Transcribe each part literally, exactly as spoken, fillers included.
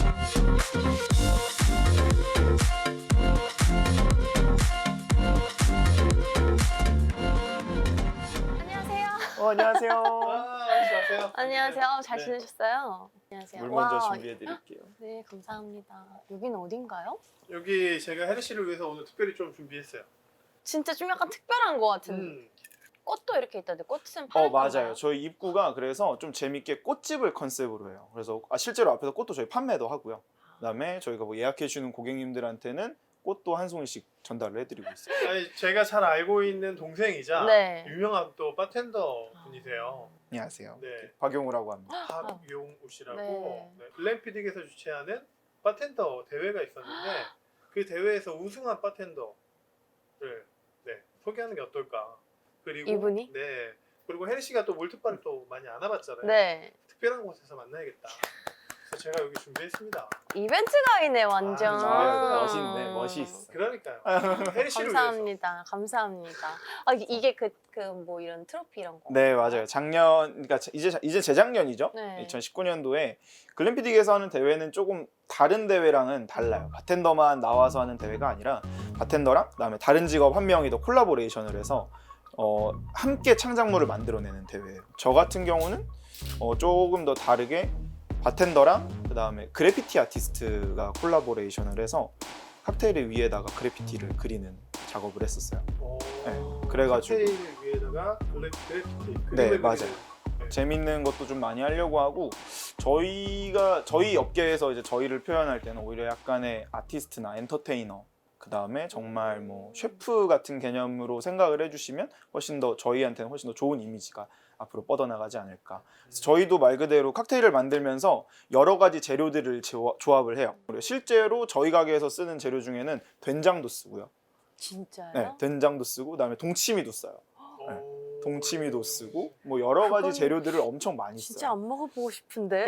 어, 안녕하세요. 아, 안녕하세요. 안녕하세요. 잘 네. 지내셨어요? 안녕하세요. 물 먼저 와, 준비해 드릴게요. 네, 감사합니다. 여기는 어딘가요? 여기 제가 혜리 씨를 위해서 오늘 특별히 좀 준비했어요. 진짜 좀 약간 특별한 것 같은데. 음. 꽃도 이렇게 있다는데 꽃은 파는 어, 맞아요. 건가요? 저희 입구가 그래서 좀 재밌게 꽃집을 컨셉으로 해요. 그래서 아, 실제로 앞에서 꽃도 저희 판매도 하고요. 그다음에 저희가 뭐 예약해 주는 고객님들한테는 꽃도 한 송이씩 전달을 해드리고 있어요. 아니, 제가 잘 알고 있는 동생이자 네. 유명한 또 바텐더 분이세요. 안녕하세요. 네. 박용우라고 합니다. 박용우 씨라고 네. 네. 글램피딕에서 주최하는 바텐더 대회가 있었는데 그 대회에서 우승한 바텐더를 네, 소개하는 게 어떨까. 그리고 이분이? 네. 그리고 혜리 씨가 또 몰트바를 또 많이 안 와봤잖아요. 네. 특별한 곳에서 만나야겠다. 그래서 제가 여기 준비했습니다. 이벤트 가이네 완전. 아, 멋있네, 멋있어. 그러니까요. 혜리 씨를 위해서. 감사합니다. 감사합니다. 아, 이- 이게 그 그 뭐 이런 트로피 이런 거. 네, 맞아요. 작년, 그러니까 이제 이제 재작년이죠. 네. 이천십구 년도에 글램피딕에서 하는 대회는 조금 다른 대회랑은 달라요. 바텐더만 나와서 하는 대회가 아니라 바텐더랑 그다음에 다른 직업 한 명이 더 콜라보레이션을 해서 어, 함께 창작물을 만들어내는 대회예요. 저 같은 경우는 어, 조금 더 다르게 바텐더랑 그다음에 그래피티 아티스트가 콜라보레이션을 해서 칵테일 위에다가 그래피티를 그리는 작업을 했었어요. 오, 네, 그래가지고. 칵테일 위에다가 블랙 그래피티. 네, 그림을 맞아요. 그리는. 재밌는 것도 좀 많이 하려고 하고 저희가 저희 업계에서 이제 저희를 표현할 때는 오히려 약간의 아티스트나 엔터테이너 그 다음에 정말 뭐 셰프 같은 개념으로 생각을 해주시면 훨씬 더 저희한테는 훨씬 더 좋은 이미지가 앞으로 뻗어나가지 않을까. 그래서 저희도 말 그대로 칵테일을 만들면서 여러 가지 재료들을 조- 조합을 해요. 그리고 실제로 저희 가게에서 쓰는 재료 중에는 된장도 쓰고요. 진짜요? 네, 된장도 쓰고 그다음에 동치미도 써요. 오. 네. 동치미도 쓰고 뭐 여러 가지 그건 재료들을 엄청 많이 진짜 써요. 안 먹어보고 싶은데.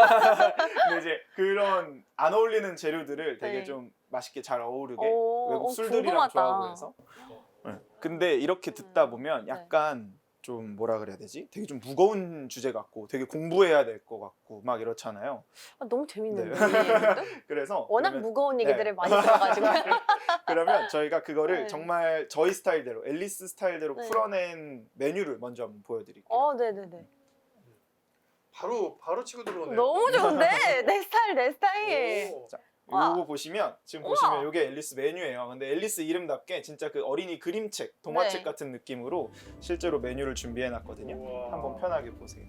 근데 이제 그런 안 어울리는 재료들을 되게 네. 좀 맛있게 잘 어우르게 오, 외국 어, 술들이랑 궁금하다. 조합을 해서. 네. 근데 이렇게 듣다 음, 보면 네. 약간 좀 뭐라 그래야 되지? 되게 좀 무거운 주제 같고 되게 공부해야 될 것 같고 막 이렇잖아요. 아, 너무 재밌는데. 그래서 워낙 그러면, 무거운 네. 얘기들을 많이 들어가지고. 그러면 저희가 그거를 네. 정말 저희 스타일대로 앨리스 스타일대로 네. 풀어낸 메뉴를 먼저 한번 보여드릴게요. 어, 네네네. 바로 바로 치고 들어오네요. 너무 좋은데? 내 스타일, 내 스타일. 오. 자, 와. 요거 보시면 지금 우와. 보시면 이게 앨리스 메뉴예요. 근데 앨리스 이름답게 진짜 그 어린이 그림책, 동화책 네. 같은 느낌으로 실제로 메뉴를 준비해 놨거든요. 우와. 한번 편하게 보세요.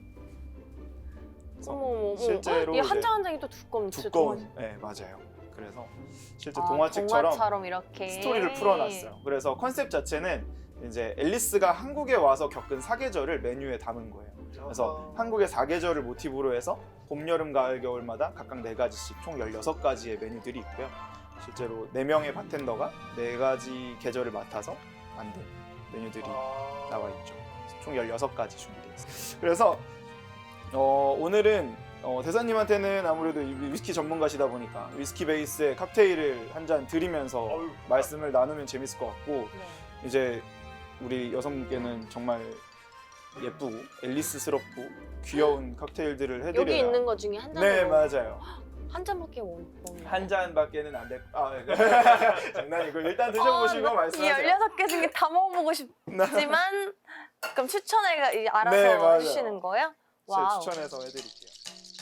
그래서 어머, 어머, 어머. 실제로 이게 한 이제 장 한 장이 또 두꺼운 진짜 두꺼운, 동화- 네 맞아요. 그래서 실제 아, 동화책처럼 동화처럼 이렇게 스토리를 풀어놨어요. 그래서 컨셉 자체는 이제 앨리스가 한국에 와서 겪은 사계절을 메뉴에 담은 거예요. 그래서 아하. 한국의 사계절을 모티브로 해서 봄, 여름, 가을, 겨울마다 각각 네 가지씩 총 열여섯 가지의 메뉴들이 있고요. 실제로 네 명의 바텐더가 네 가지 계절을 맡아서 만든 메뉴들이 아. 나와 있죠. 그래서 총 열여섯 가지 준비되어 있어요. 그래서 어, 오늘은 어, 대사님한테는 아무래도 이 위스키 전문가시다 보니까 위스키 베이스의 칵테일을 한 잔 드리면서 어휴. 말씀을 나누면 재밌을 것 같고 네. 이제 우리 여성분께는 정말 예쁘고 앨리스스럽고 귀여운 칵테일들을 해드려요. 여기 있는 거 중에 한 잔으로 네 맞아요. 한 잔밖에 못 먹는 한 잔밖에는 안 될. 아 장난이고 일단 드셔보시고 이 말씀하세요. 열여섯 개 중에 다 먹어보고 싶지만 그럼 추천을 이제 알아서 네, 맞아요. 해주시는 거예요? 제가 와우. 추천해서 해드릴게요.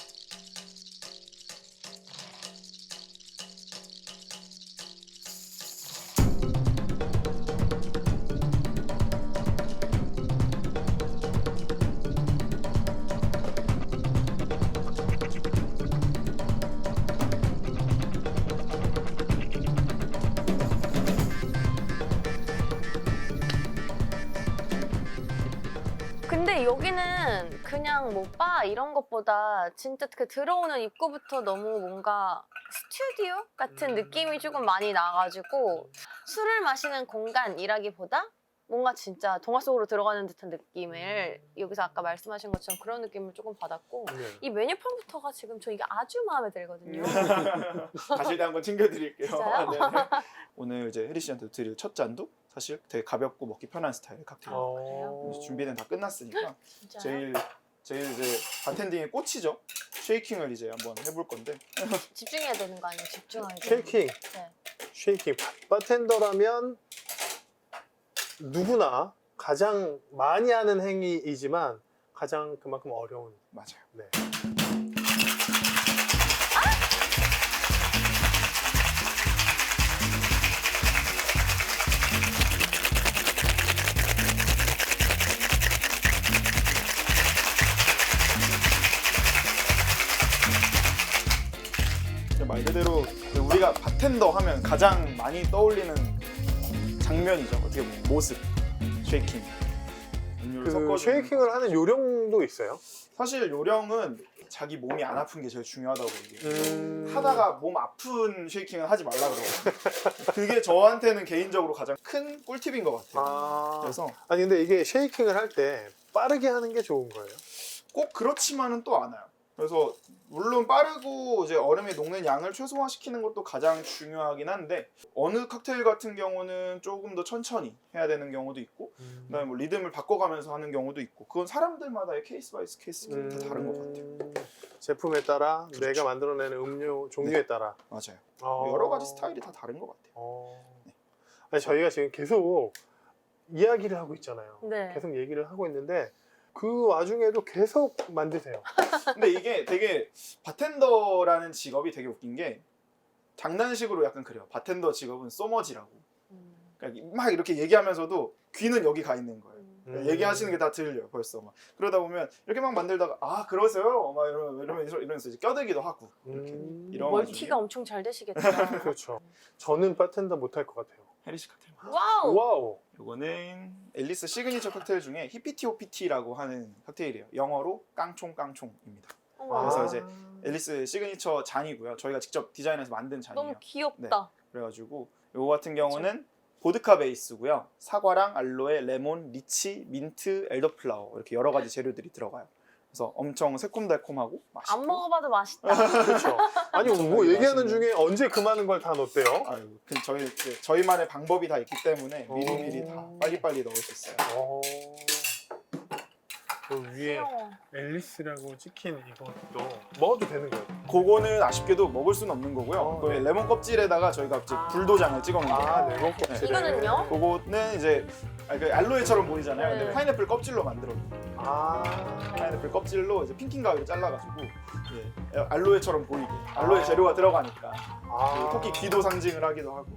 근데 여기는 그냥 뭐 바 이런 것보다 진짜 그 들어오는 입구부터 너무 뭔가 스튜디오 같은 음. 느낌이 조금 많이 나가지고 술을 마시는 공간이라기보다 뭔가 진짜 동화 속으로 들어가는 듯한 느낌을 여기서 아까 말씀하신 것처럼 그런 느낌을 조금 받았고 네. 이 메뉴판부터가 지금 저 이게 아주 마음에 들거든요. 가실 때 한번 챙겨드릴게요. 진짜요? 네네. 오늘 이제 혜리 씨한테 드릴 첫 잔도 사실 되게 가볍고 먹기 편한 스타일의 칵테일. 어. 그래요? 그래서 준비는 다 끝났으니까 진짜요? 제일 제 이제 바텐딩의 꽃이죠. 쉐이킹을 이제 한번 해볼 건데. 집중해야 되는 거 아니에요? 집중하게. 쉐이킹. 네. 쉐이킹. 바텐더라면 누구나 가장 많이 하는 행위이지만 가장 그만큼 어려운. 맞아요. 네. 말 그대로 우리가 바텐더 하면 가장 많이 떠올리는 장면이죠. 어떻게 보면 모습, 쉐이킹. 음료를 그 섞어주는 쉐이킹을 하는 요령도 있어요? 사실 요령은 자기 몸이 안 아픈 게 제일 중요하다고 얘기해요. 음... 하다가 몸 아픈 쉐이킹은 하지 말라 그러고 그게 저한테는 개인적으로 가장 큰 꿀팁인 것 같아요. 아... 그래서 아니 근데 이게 쉐이킹을 할 때 빠르게 하는 게 좋은 거예요? 꼭 그렇지만은 또 않아요. 그래서 물론 빠르고 이제 얼음이 녹는 양을 최소화시키는 것도 가장 중요하긴 한데 어느 칵테일 같은 경우는 조금 더 천천히 해야 되는 경우도 있고 음... 그다음에 뭐 리듬을 바꿔가면서 하는 경우도 있고 그건 사람들마다의 케이스 바이 케이스가 음... 다 다른 것 같아요. 제품에 따라 그렇죠. 내가 만들어내는 음료 종류에 네. 따라 맞아요. 어... 여러 가지 스타일이 다 다른 것 같아요. 어... 아니 저희가 지금 계속 이야기를 하고 있잖아요. 네. 계속 얘기를 하고 있는데 그 와중에도 계속 만드세요. 근데 이게 되게 바텐더라는 직업이 되게 웃긴 게 장난식으로 약간 그래요. 바텐더 직업은 소머지라고. 음. 그러니까 막 이렇게 얘기하면서도 귀는 여기 가 있는 거예요. 음. 얘기하시는 게 다 들려요 벌써 막. 그러다 보면 이렇게 막 만들다가 아 그러세요? 막 이러면 이러면서, 이러면서 이제 껴들기도 하고 이렇게 음... 이런 멀티가 엄청 잘 되시겠다. 그렇죠. 저는 바텐더 못할 것 같아요. 헤리시 칵테일. 와우. 와우. 요거는 앨리스 시그니처 칵테일 중에 히피티오피티라고 하는 칵테일이에요. 영어로 깡총 깡총입니다. 어머, 그래서 아... 이제 앨리스 시그니처 잔이고요. 저희가 직접 디자인해서 만든 잔이에요. 너무 귀엽다. 그래가지고 요거 같은 경우는 보드카 베이스고요. 사과랑 알로에, 레몬, 리치, 민트, 엘더플라워 이렇게 여러 가지 재료들이 들어가요. 그래서 엄청 새콤달콤하고 맛있고. 안 먹어봐도 맛있다. 그렇죠. 아니 뭐 맛있는. 얘기하는 중에 언제 그 많은 걸 다 넣었대요? 아유, 그 저희 그 저희만의 방법이 다 있기 때문에 오. 미리미리 다 빨리빨리 넣을 수 있어요. 어... 그 위에 귀여워. 앨리스라고 찍힌 이것도 먹어도 되는 거예요? 그거는 아쉽게도 먹을 수는 없는 거고요. 어, 그 네. 레몬 껍질에다가 저희가 이제 불도장을 찍어 놓은 거예요. 아, 레몬 껍질에. 이거는요? 그거는 이제 아, 그 알로에처럼 보이잖아요. 네. 근데 파인애플 껍질로 만들어. 아, 파인애플 껍질로 이제 핑킹 가위로 잘라가지고 예, 알로에처럼 보이게 알로에 재료가 들어가니까 아. 그 토끼 귀도 상징을 하기도 하고.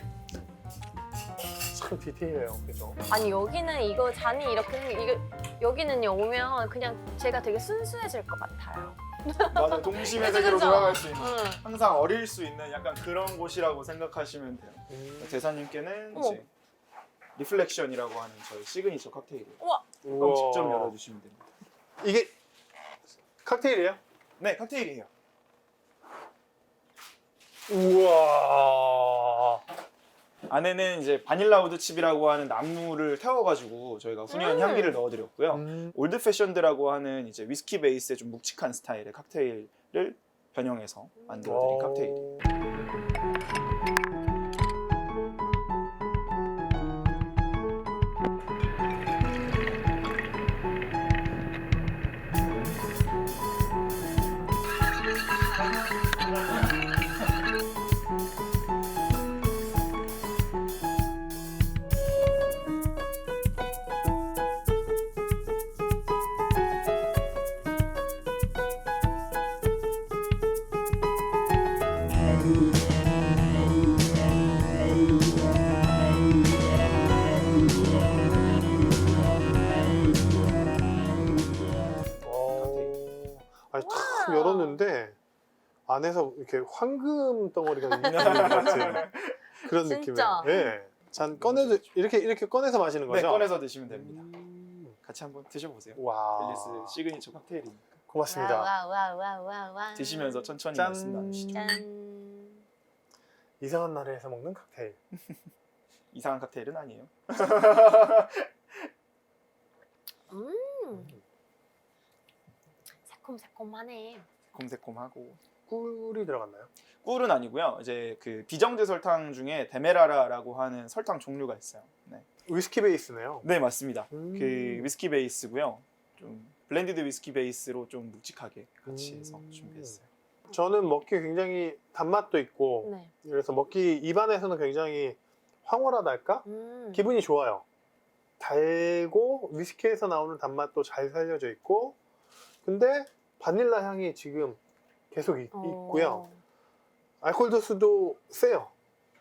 참 디테일해요, 그죠? 아니 여기는 이거 잔이 이렇게 생- 이거 여기는요 오면 그냥 제가 되게 순수해질 것 같아요. 맞아, 동심의 그죠, 세계로 그죠? 돌아갈 수 있는 응. 항상 어릴 수 있는 약간 그런 곳이라고 생각하시면 돼요. 음. 대사님께는 어머. 이제 리플렉션이라고 하는 저희 시그니처 칵테일이에요. 우와. 그럼 우와. 직접 열어주시면 됩니다. 이게 칵테일이에요? 네, 칵테일이에요. 우와. 안에는 이제 바닐라 우드 칩이라고 하는 나무를 태워가지고 저희가 훈연 음. 향기를 넣어드렸고요. 음. 올드 패션드라고 하는 이제 위스키 베이스의 좀 묵직한 스타일의 칵테일을 변형해서 만들어드린 칵테일. 어. 아니 탁 우와. 열었는데 안에서 이렇게 황금 덩어리가 있는 것 같은 그런 진짜. 느낌이에요. 예. 잔 꺼내도 이렇게 이렇게 꺼내서 마시는 네, 거죠? 꺼내서 드시면 됩니다. 음. 같이 한번 드셔보세요. 와. 앨리스 시그니처 칵테일이니까 고맙습니다. 와와와와와. 드시면서 천천히 짠. 말씀 나누시죠. 짠. 이상한 나라에서 먹는 칵테일. 이상한 칵테일은 아니에요. 음. 새콤새콤하네. 곰새콤하고. 꿀이 들어갔나요? 꿀은 아니고요. 이제 그 비정제 설탕 중에 데메라라라고 하는 설탕 종류가 있어요. 네, 위스키 베이스네요. 네 맞습니다. 음. 그 위스키 베이스고요. 좀 블렌디드 위스키 베이스로 좀 묵직하게 같이 해서 음. 준비했어요. 저는 먹기 굉장히 단맛도 있고 네. 그래서 먹기 입안에서는 굉장히 황홀하달까? 음. 기분이 좋아요. 달고 위스키에서 나오는 단맛도 잘 살려져 있고 근데 바닐라 향이 지금 계속 있, 어. 있고요. 알코올 도수도 세요.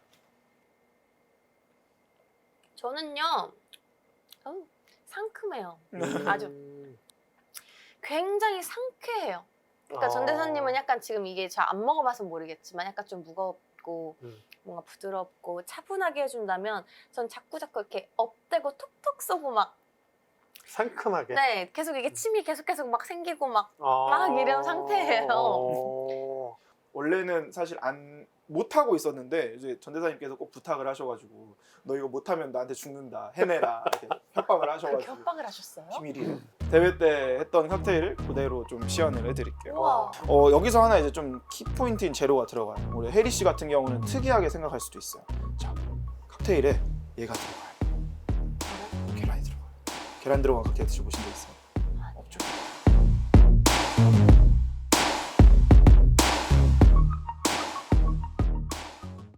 저는요. 음, 상큼해요. 음. 아주. 음. 굉장히 상쾌해요. 그러니까 아. 전 대사님은 약간 지금 이게 잘 안 먹어봐서 모르겠지만 약간 좀 무겁고 음. 뭔가 부드럽고 차분하게 해준다면 전 자꾸 자꾸 이렇게 업되고 톡톡 쏘고 막 상큼하게. 네, 계속 이게 침이 계속 계속 막 생기고 막 아. 막 이런 상태예요. 어. 원래는 사실 안 못하고 있었는데 이제 전 대사님께서 꼭 부탁을 하셔가지고 너 이거 못하면 나한테 죽는다 해내라 이렇게 협박을 그렇게 하셔가지고 협박을 하셨어요? 비밀이에요. 대회 때 했던 칵테일을 그대로 좀 시연을 해드릴게요. 우와. 어, 여기서 하나 이제 좀 키포인트인 재료가 들어가요. 우리 혜리 씨 같은 경우는 특이하게 생각할 수도 있어요. 자, 칵테일에 얘가 들어가요. 계란이 들어가요. 계란 들어간 칵테일 드셔보신 적 있어요?